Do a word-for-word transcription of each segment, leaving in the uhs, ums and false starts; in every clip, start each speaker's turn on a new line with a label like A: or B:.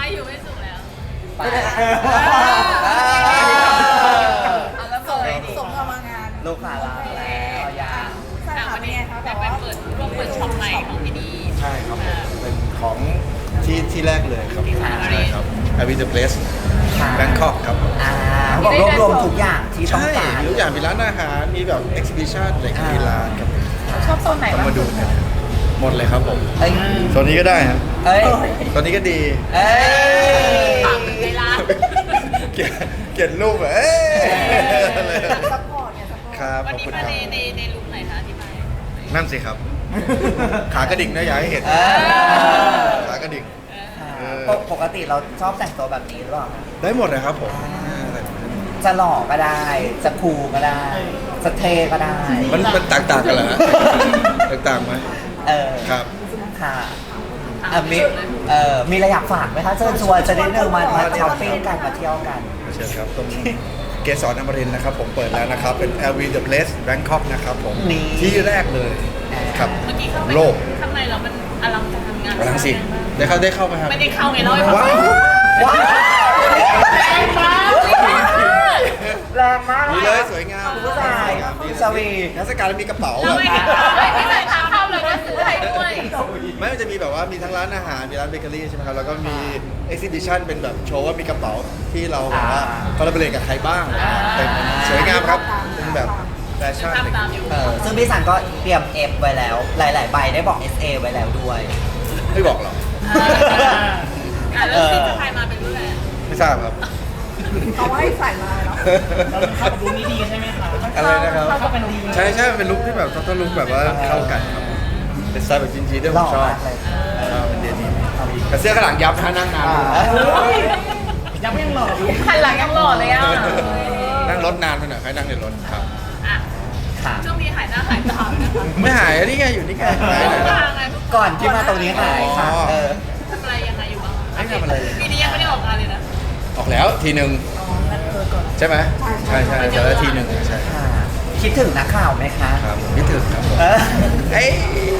A: อยู่ไม่สุกแล้ว
B: ไป
C: แล้วส่งส่งเรามางาน
B: ลูกค้ารักแล้วยา
C: สาขาเป็นไงคะ
A: แต่
C: แต่
A: ไป
C: ว่า
A: เปิดร่วมเปิดช็อปใหม่ของที่นี่
D: ใช่ครับผมเป็นของที่ที่แรกเลยครับ
B: ที่ไหน
D: ใช่ครับ Happy the Place
B: ค่ะ
D: Bangkok ครับผม
B: อ่าเขาบอกรวบรวมทุกอย่างที่ต้อง
D: ใช่
B: การ
D: มีทุกอย่างมีร้านอาหารมีแบบ exhibition อะไรก็มีร้านครับ
C: ชอบโซนไหน
D: ต้อง
C: บ้าง
D: มาดูกันหมดเลยครับผม
B: เอ้ย
D: โซนนี้ก็ได้ครับ
B: เอ้ย
D: โซนนี้ก็ดี
B: เอ้ย
A: ฝากในร้าน
D: เขียนเขียนรูปแบบเอ้ย
C: ซัพพอร์ตเนี่ยซัพพอร์ต
D: ครับ
A: วัน
D: ขอบ
A: นี้
D: คุณค
A: มา
D: รับ
A: ในในในลุคไหนคะที่ไป
D: นั่นสิครับ ขากระดิ่งนะอยากให้เห็น
B: เออ
D: ขากระดิ่ง เออ
B: ปกปกติเราชอบแต่งตัวแบบนี้หรือเปล่าคะ
D: ได้หมดเลยครับผม
B: จะหล่อก็ได้ จะคูลก็ได้จะเท่ก็ได้
D: มันมันต่างๆกันเหรอฮะ ต่างๆไหม
B: เออ
D: ครับ
B: ค่ะอ่ะมีเออมีอะไรอยากฝากไหมคะเชิญชวนจะได้เดินมามาช้อปปิ้งกันมาเที่ยวกัน
D: เชิญครับตรงเกสรอมรินทร์นะครับผมเปิดแล้วนะครับ เป็น แอล วี The Place Bangkok นะครับผม
B: นี่
D: ที่แรกเลยครับ
A: เมื่อกี้เข้าไป
D: โลก
A: ข้างในเรามันอลังการงาน
D: กำลังสิได้เข้าได้เข้าไหมครับ
A: ไม่ได้เข้าไงเล่าให้ฟัง
D: ว้าว
B: ว้าวแรงมากแรงมาก
D: ดีเลยสวยงาม
B: คุณผู้ชายคุณสวี
D: เทศกาลมีกระเป๋า
A: เรา
D: แบบ
A: ไม่เห็นไม่ไม่ใส่ทางเข้าเลยนะซื้ออะไรด้วย
D: ไม่มันจะมีแบบว่ามีทั้งร้านอาหารมีร้านเบเกอรี่ใช่ไหมครับแล้วก็มีเอ็กซิบิชันเป็นแบบโชว์ว่ามีกระเป๋าที่เราแบบว่าคอลลาบอเรทกับใครบ้างเป็นสวยงามครับเป็นแบบแฟชั่นอะไรอย่างเงี้ย
B: เออซึ่งพี่สันก็เตรียม F ไว้แล้ว หลาย ๆ ใบได้บอก เอส เอ ไว้แล้วด้วย
D: ไม่บอกหรอก
A: อ่ะแล้วที่จะพายมาเป็นรุ่นอะไร
D: ไม่ทราบครับ
C: เขาให้ใส่มาเนาะ
E: เราเป็นเข้าดูนี่ดีใช่ไหมคะ
D: อะไรนะครับ
E: เข้ากันดี
D: ใช่ใช่มันเป็นลุคที่แบบต้องลุคแบบว่าเข้ากันครับเป็นสไตล์แบบจีนๆด้วยผมชอบ
B: หล่อมากเลย
D: ชอบเป็นเดนิมแต่เสื้อข้างหลังยับนะนั่งนาน
E: ยังไม่ยังหล่ออยู่
A: หันหลังยังหล่อเลยอ่ะ
D: นั่งรถนานไปหน่อยใครนั่งในรถครับ
A: อ่ะ
B: ค่ะ
A: ช่วงนี้หายหน้าหายตานะคะ
D: ไม่หายอันนี้ไงอยู่นี่ไงหายเลย
A: มา
D: นะ
A: ไง
B: ก่อนที่มาตรงนี้หายค่ะ
D: อ๋อ
B: เออ
A: ทำอะไรยังไงอยู่บ้าง
D: ไม่ทำอะไร
A: ปีนี้ยังไม่ได้ออกงานเลยนะ
D: ออกแล้วทีหนึ่งใช่ไหมใช่ใช่แต่ละทีหนึ่งใช่
B: ค่ะ คิดถึงนักข่าวไหมคะ
D: ครับผมคิดถึงครับผม
B: เออ
D: เอ้ย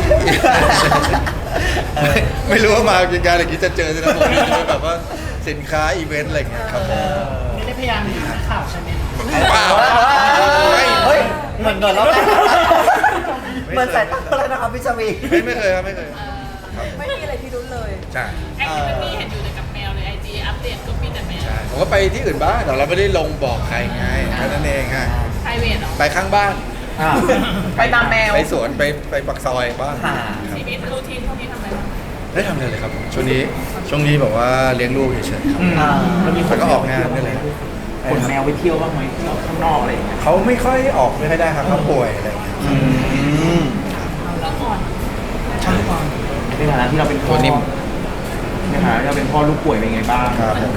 B: เออ
D: ไม่รู้ว่ามากินการอะไรกินจะเจอจะผมจะแบบว่าสินค้าอีเวนต์อะไรอย่างเงี้ยครับผม
E: ไม่ได้พยายามหนีนักข่าวใช่ไหม
D: เปล่า
B: เฮ้ย เหมือนเงินแล้วนะเหมือนสายตาแล้วนะครับพี่ชวี
D: ไม่ไม่เคยครับไม่เคยครับ
C: ไม่มีอะไรที่รุ้นเลย
D: ใช่
A: แอคทิวิตี้เห็นอยู่แต่กับแมวเลยไอจีอัปเดตก็มีแต่แมว
D: ใช่ผมก็ไปที่อื่นบ้างแต่เราไม่ได้ลงบอกใครไงแค่นั้นเองฮะ
A: ไพรเวทเหรอ
D: ไปข้างบ้าน
B: อ่า
A: ไปตามแมว
D: ไปสวนไปไปปักซอยบ้าง
B: ค่ะ
D: ครับ
A: ชีวิตรูทีนพวกนี้ทำอะไรบ้าง
D: ได้ทำอะไรเลยครับช่วงนี้ช่วงนี้แบบว่าเลี้ยงลูกเฉยๆครับ
B: อ่า
E: แล้วมี
D: แล้วก็ออกงานนี่แหละ
E: ขนแมวไปเที่ยวบ้างไหมเที่ยวข้างนอกอะไรอย่างเงี้ย
D: เขาไม่ค่อยออกไม่ค่อยได้ครับเขาป่วยอะไรอย่างเงี้ย
B: อืม
A: แล้วก่อน
E: ใช่ป่ะในฐานะที่เราเป็นพ่อในฐานะที่เราเป็นพ่อลูกป่วยเป็นไงบ้าง
D: ครับผม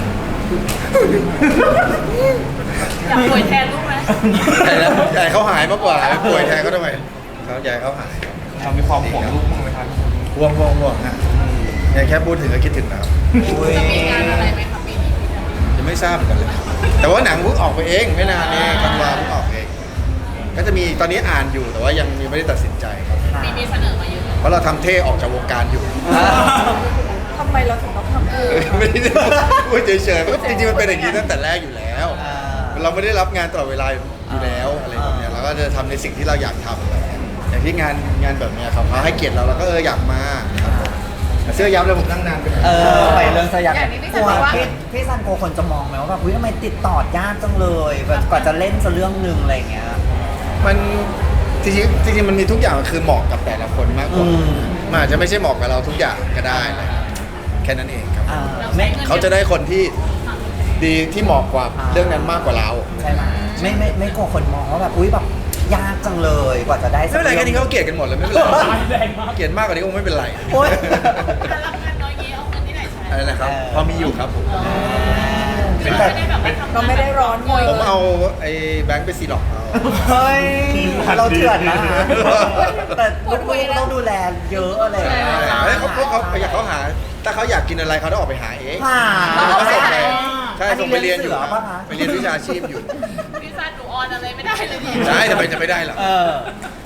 A: อยากป่วยแทนลูกไหม
D: ใหญ่แล้วใหญ่เขาหายมากกว่าป่วยแทนเขาทำไมเขาใหญ่เขาหาย
E: เรามีความห่วงลูกบ้างไหมครับ
D: ห่วงห่วงห่วงฮะยังแค่พูดถึงก็คิดถึงนะครับ
B: อุ้ย
A: จะมีงานอะไรไหมครับปีนี้พี่จะมี
D: ยังไม่ทราบเหมือนกันเลยแต่ว่าหนังเพิ่งออกไปเองไม่นานเองธันวาเพิ่งออกเอง ก็จะมีตอนนี้อ่านอยู่แต่ว่ายังยังไม่ได้ตัดสินใจครับ
A: มีมีเสนอมาเยอะ
D: เพราะเราทำเท่ออกจากวงการอยู่
C: ทำไมเราถึงต้องทำเออ
D: ไม่ได้พูดเฉยๆมันก็จริงๆมันเป็นอย่างนี้ตั้งแต่แรกอยู่แล้ว
B: อ่า
D: เราไม่ได้รับงานตลอดเวลาอยู่แล้วอะไรแบบเนี้ยเราก็จะทำในสิ่งที่เราอยากทำอะไรเงี้ยอย่างที่งานงานแบบเนี้ยครับเขาให้เกียรติเราเราก็เอออยากมาครับผมแต่เสื้อยับเลยผมนั่งนานไปหน่อย
B: เออ ไปเรื่องสยามกลัวพี่พี่ซันโกคนจะมองไหมว่าแบบอุ้ยทำไมติดต่อยากจังเลยแบบกว่าจะเล่นสักเรื่องหนึ่งอะไรอย่างเงี้ย
D: มันจริงๆจริงๆมันมีทุกอย่างมันคือเหมาะกับแต่ละคนมากกว่า
B: อืม
D: มันอาจจะไม่ใช่เหมาะกับเราทุกอย่างก็ได้อะไรครับแค่นั้นเองครับ
B: อ่าไม่
D: เขาจะได้คนที่ดีที่เหมาะกว่า
B: อ่า
D: เรื่องนั้นมากกว่าเรา
B: ใช่ไหมไม่ไม่ไม่กลัวคนมองว่าแบบอุ้ยแบบยากจังเลยกว่าจะได้
D: ไม่เป็นไรแค่นี้เขาเกลียดกันหมดเลยไม่เป็นไร
E: แรงมาก
D: เกลียดมากกว่านี้คงไม่เป็นไร
B: โอ๊ย
A: ถ้ารับงานน้อยเงี้ยเอาเงินที่ไหนใช้
D: อะไรนะครับ
B: เออ
D: พอมีอยู่ครับผม
A: ไม่ได้แบบว่าทำ
C: เราไม่ได้ร้อนเงิน
D: ผมเอาไอ้แบงค์ไปซีล็อกเอา
B: เฮ้ยเราเถื่อนนะแต่ลูกๆต้องดูแลเยอะอะไรอย่าง
D: ใช่
B: เงี้ย
D: แล้วเขาเขาเขาอยากเขาหา ถ้าเขาอยากกินอะไรเขาต้องออกไปหาเอง
B: หา
D: เขาส่งไปใช่
B: อันนี้
D: ส่งไปเรียนอยู่
B: เรียนเสือปะคะ
D: ไปเรียนวิชาชีพอยู่
A: พี่ซันหนูออนอะไรไม่ได้เลยเนี่ย
D: ใช่ทำไมจะไม่ได้ล่ะ
B: เออ
D: ผ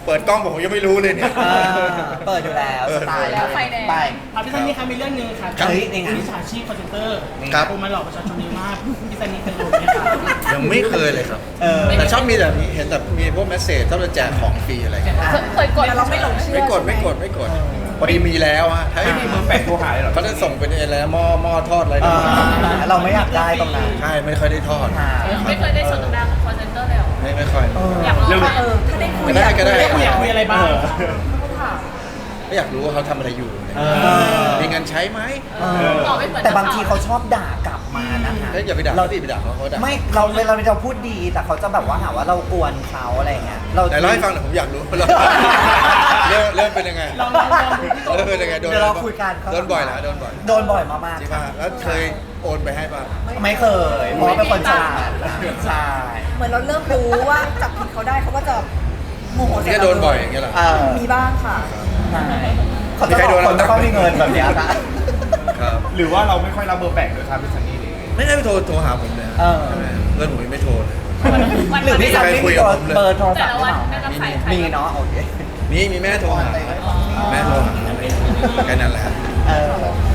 D: ปิดกล้องผมยังไม่รู้เลยเนี่ย
B: อ่าเปิดอยู่แล้วสไตล์
C: แล้วไฟแดง
B: ไป
F: ครับพี่ซันนี่ครับมีเรื่องหนึงครับ
B: ครับเฮ้ยนี่ไง
F: มิจฉาชีพคอนเซนเตอร์
D: ครับ
F: โทรมาหลอกประชาชนเยอะมากพี่ซันนี่เคยโดนไหมครับ
D: ยังไม่เคยเลยครับ
B: เออ
D: แต่ชอบมีแบบนี้เห็นแบบมีพวกเมสเซจชอบจะแจกของฟรีอะไรเงี้ย
C: เคยกดแต่เราไม่หลงเชื่อ
D: ไม่กดไม่กดไม่กดพอดีมีแล้วฮะถ้าไม่มีมือแปะโทรหาเลยหรอเขาจะส่งเป็นอะไรนะหม้อหม้อทอดอะไร
B: อ่า
D: นะ
B: เราไม่อยากได้ตรงนั้น
D: ใช่ไม่ค่อยได้ทอด
B: ค่ะ
A: ไม่เคยได้สนทนากับคอเซนเตอร์เลยเหรอ
D: ไม่ไม่ค่อย
B: เออ
A: อยากลองไหม
C: เออถ้าได้คุย
D: ก็ได้ก็ได้
F: ได้คุยอยากคุยอะไรบ้าง
D: ก็อยากรู้ว่าเขาทำอะไรอยู่
B: เออ
D: มีเงินใช้ไหม
B: เออแต่บางทีเขาชอบด่ากลับมานะคะ
D: เอ้ยอย่าไปด่า
B: เรา
D: เขาดิไปด่าเขาเขาด่า
B: ไม่เราเวลาเราพูดดีแต่เขาจะแบบว่าหาว่าเรากวนเขาอะไรเงี้ยเรา
D: ไหนเล่าให้ฟังหน่อยผมอยากรู้เริ่มเริ่มเริ่มเป็นยังไง
F: ลองลองลองดูพี่โต
D: เริ่มเป็นยังไงโดน
B: เดี๋ยวเราคุยกัน
D: โดนบ่อยนะโดนบ่อย
B: โดนบ่อยมาก
D: จริง
B: ๆ
D: ป่ะ
B: ค่ะ
D: แล้วเคยโอนไปให้ป่ะ
B: ไม่เคยเพราะว่าเป็นคนฉลาดใช่
C: เหมือนเราเริ่มรู้ว่าจับผิดเขาได้เขาก็จะโมโห
D: นี่ก็โดนบ่อยอย่างเงี้ยเหรอ
B: เออ
C: มีบ้างค่ะ
B: ใช่เขาจะบอกคนไม่ค่อยมีเงินแบบเนี้ยนะ
D: ครับ
E: หรือว่าเราไม่ค่อยรับเบอร์แปลกด้วยครับพี่ซันนี่เลย
D: ไม่ได้ไปโทรโทรหาผมเลย
B: เออ
D: ใช่ไหมเพื่อนผมยังไม่โทรเลย
B: หรือพี่ซันไม่มีเบอร์โทรศัพท์หรือเปล่า
A: แต่ละวันไม่รับสายใคร
B: มีเนาะโอเค
D: มีมีแม่โทรหาแม่โทรหาแค่นั้นแหละ
B: เออ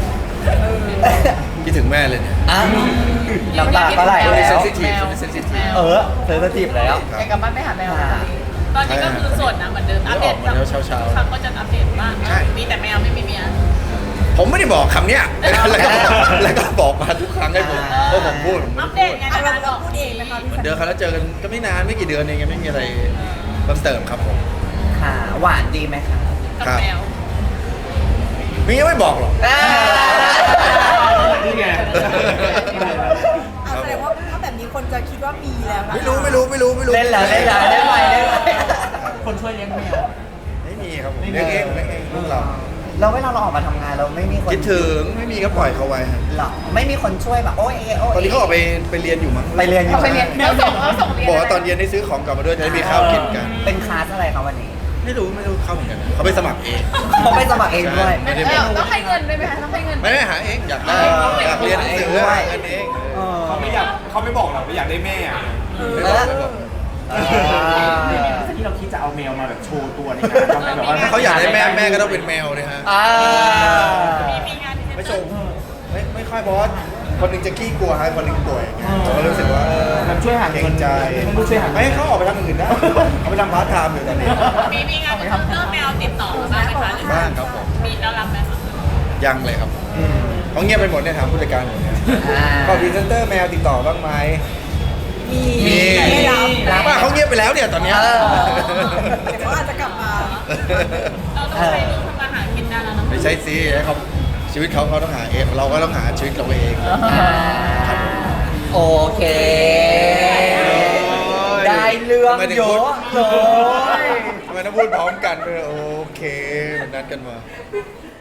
D: คิดถึงแม่เลยเนี่ย
B: อ่ะน้ำตาก็ไหล
D: ช่วงนี้
B: แล้
D: เซน
B: ว
D: ซิทีฟช่วงนี้เซนซิทีฟ
B: เออเธอจะจีบแล้ว
C: อยากกลับบ้านไม่หาแมวเลย
A: ตอนนี้ก็คือโสดนะเหมือนเดิมอัปเดต
D: ออกมาแล้วเช้าๆ
A: ครั้งก็จะอัปเดตบ้าง
D: ใช่
A: มีแต่แมวไม่มีเมีย
D: ผมไม่ได้บอกคำเนี้ยแล้วก็บอกแล้วก็บอกมาทุกครั้งให้ผมเพราะผมพูด
A: อัปเดตไง
C: อ่ะ
A: นานๆหร
C: เราเรา
A: อก
C: พูดเองไหมคะพี่
D: เหมือน
C: สัน
D: เดิมครับแล้วเจอกันก็ไม่นานไม่กี่เดือนเองยังไม่มีอะไรเพิ่มเติมครับผม
B: ค่ะหวานดีไหมคะ
A: กับแมว
D: มียังไม่บอกหรอก
E: นี่ไง
C: อ่ะแสดงว่าถ้าแบบนี้คนจะคิดว่ามีแล้วนะคะ
D: ไม่รู้ไม่รู้ไม่รู้ไม่รู้
B: เล่นแล้วเล่นแล้วเล่นไปเล่นไป
F: คนช่วยเลี้ยงแมว
D: ไม่มีครับผมเลี้ยงเองเลี้ยงเองลูกเรา
B: เราเวลาเราออกมาทำงานเราไม่มีคน
D: คิดถึงไม่มีก็ปล่อยเขาไว้ฮะ
B: หรอไม่มีคนช่วยแบบโอ้ยโอ้ย
D: ตอนนี้เขาออกไปไปเรียนอยู่มั้ง
B: ไปเรียนอยู่
C: ไปเรียน
F: แมวส่งเขาส่ง
D: บอกว่าตอนเย็นได้ซื้อของกลับมาด้วยจะได้มีข้าวกินกัน
B: เป็นคลาสอะไรคะวันนี้
D: ไม่รู้ไม่รู้เข้าเหมือนกันเขาไปสมัครเอง
B: เขาไปสมัครเองด้วย
D: ไม่ได้บอก
C: ต้องให้เงินด้วยไหมคะต้องให้เงิน
D: ไม่ได้หาเองอยากได้อยากเรียนหนังสือหาเงินเอง
B: เออ
E: เขาไม่อยากเขาไม่บอกเราว่าอยากได้แม่อะ
D: ไม่บอกไม่บอก
B: อ่า
E: ที่เราคิดจะเอาแมวมาแบบโชว์ตัวในงานทำไมแบบว่า
D: ถ้าเขาอยากได้แม่แม่ก็ต้องเป็นแมวเลยฮะ
B: อ่า
A: มีมีงานที่
D: ไม่ชมไม่ไม่ค่อยบอสคนหนึงจะขี้กลัวฮะคนหนึงป่วยผมก็รู้สึกว่าเออ
E: มันช่วยหา
D: เกร
E: เงิน
D: งใจ
E: มันช่วยหาเงิ
D: ไม่
E: น
D: ให้เขาออกไปทำอย่างอื่นได้เขาไปทำพาร์ทไทม์อยู่ตอนนี้
A: มีมีงานที่เตอร์แมวติดต่อมาบ้างไหมคะหรือ
D: บ้างครับผม
A: มีแล้วรับไหมคะ
D: ยังเลยครับเขาเงียบไปหมดเนี่ยถามผู้จัดการผมเนี่ย
B: อ่า
D: ก็พรีเซนเตอร์แมวติดต่อบ้างไหม
C: มี
D: มี
C: ไม่รับ
B: รับ
D: ว่าเขาเงียบไปแล้วเนี่ยตอนเนี้ย
B: เออ
C: เดี๋ยวเขาอาจจะกลับมา
A: เราต้องใช้ลูกทำมาหากินได้แล้วเนอะ
D: ไม่ใช่สิให้เขาชีวิตเขาเขาต้องหาเองเราก็ต้องหาชีวิตเราเอง
B: อ่าโอเค ได้เรื่องเยอะเลย
D: ทำไมต้องพูดพร้อมกันด้วยโอเคมันนัดกันมา